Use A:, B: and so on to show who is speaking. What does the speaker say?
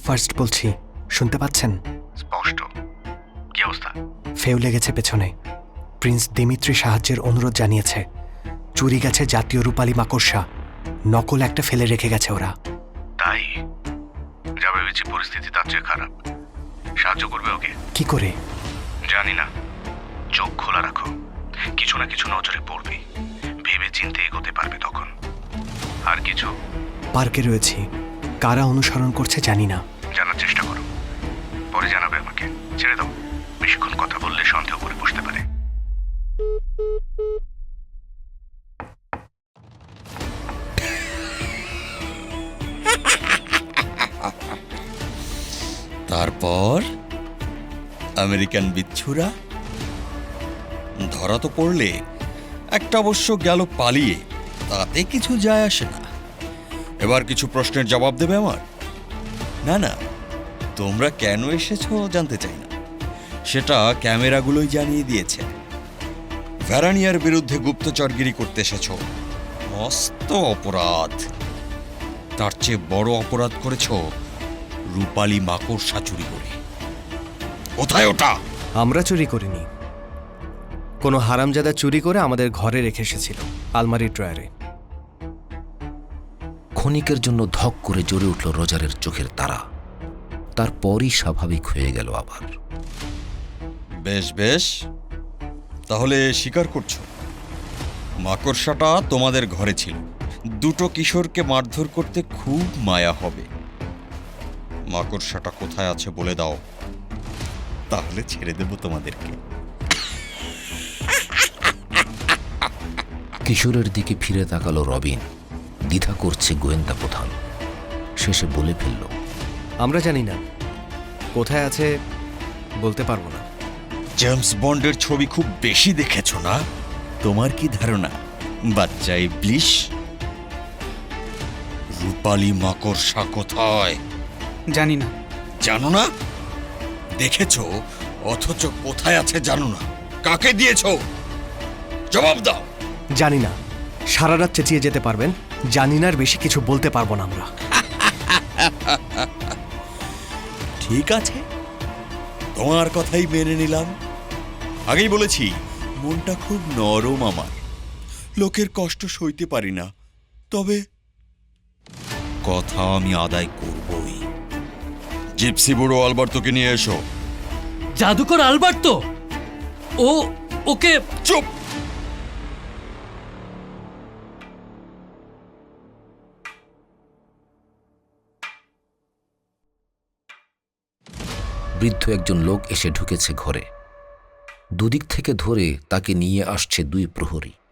A: First বলছি, শুনতে পাচ্ছেন?
B: স্পষ্ট। কি অবস্থা?
A: ফেউ লেগেছে পেছনে। প্রিন্স দিমিত্রি সাহায্যের অনুরোধ জানিয়েছে। চুরি গেছে জাতীয় রূপালী মাকড়সা, নকল একটা ফেলে রেখে গেছে ওরা।
B: তাই? যা ভেবেছি পরিস্থিতি তার চেয়ে খারাপ। সাহায্য করবে ওকে?
A: কি করে?
B: জানি না, চোখ খোলা রাখো, কিছু না কিছু নজরে পড়বে, ভেবে চিন্তে এগোতে পারবে তখন। আর কিছু?
A: পার্কে রয়েছি, কারা অনুসরণ করছে জানি না।
B: জানার চেষ্টা করো, পরে জানাবে আমাকে। ছেড়ে দাও, বেশিক্ষণ কথা বললে সন্দেহ করে বসতে পারে।
C: তারপর আমেরিকান বিচ্ছুরা ধরা তো পড়লে, একটা অবশ্য গেল পালিয়ে, তাতে কিছু যায় আসে না। এবার কিছু প্রশ্নের জবাব দেবে আমার? না না, তোমরা কেন এসেছো জানতে চাই না, সেটা ক্যামেরাগুলোই জানিয়ে দিয়েছে। ভ্যারানিয়ার বিরুদ্ধে গুপ্তচরগিরি করতে এসেছ, মস্ত অপরাধ। তার চেয়ে বড় অপরাধ করেছ রূপালী মাকড়সা চুরি করে। কোথায় ওটা?
A: আমরা চুরি করিনি, কোনো হারামজাদা চুরি করে আমাদের ঘরে রেখে এসেছিল, আলমারির ড্রয়ারে।
D: ক্ষণিকের জন্য ধক করে জ্বলে উঠল রোজারের চোখের তারা। তারপরই স্বাভাবিক হয়ে গেল আবার।
C: বেশ বেশ, তাহলে স্বীকার করছো মাকড়সাটা তোমাদের ঘরে ছিল। দুটো কিশোরকে মারধর করতে খুব মায়া হবে। মাকড়সাটা কোথায় আছে বলে দাও, তাহলে ছেড়ে দেব তোমাদেরকে।
D: কিশোরের দিকে ফিরে তাকালো রবিন। দ্বিধা করছে গোয়েন্দা প্রধান। শেষে বলে ফেলল,
A: আমরা জানি না, কোথায় আছে বলতে পারবো না।
C: জেমস বন্ডের ছবি খুব বেশি দেখেছো না? তোমার কি ধারণা বাচ্চা ইবলিশ? রূপালী মাকড়সা কোথায়?
E: জানি না।
C: জানো না? দেখেছো অথচ কোথায় আছে জানো না। কাকে দিয়েছো? জবাব দাও।
A: জানি না, সারা রাত চেঁচিয়ে যেতে পারবেন। জানি না, আর বেশি কিছু বলতে পারবো না আমরা।
C: ঠিক আছে, তোমার কথাই মেনে নিলাম। আগেই বলেছি মনটা খুব নরম আমার, লোকের কষ্ট সইতে পারি না। তবে কথা আমি আদায় করবই। জিপসি বুড়ো আলবার্তোকে নিয়ে এসো।
F: জাদুকর আলবার্তো? ওকে
C: চুপ!
D: বৃদ্ধ একজন লোক এসে ঢুকেছে ঘরে। দুদিক থেকে ধরে তাকে নিয়ে আসছে দুই প্রহরী।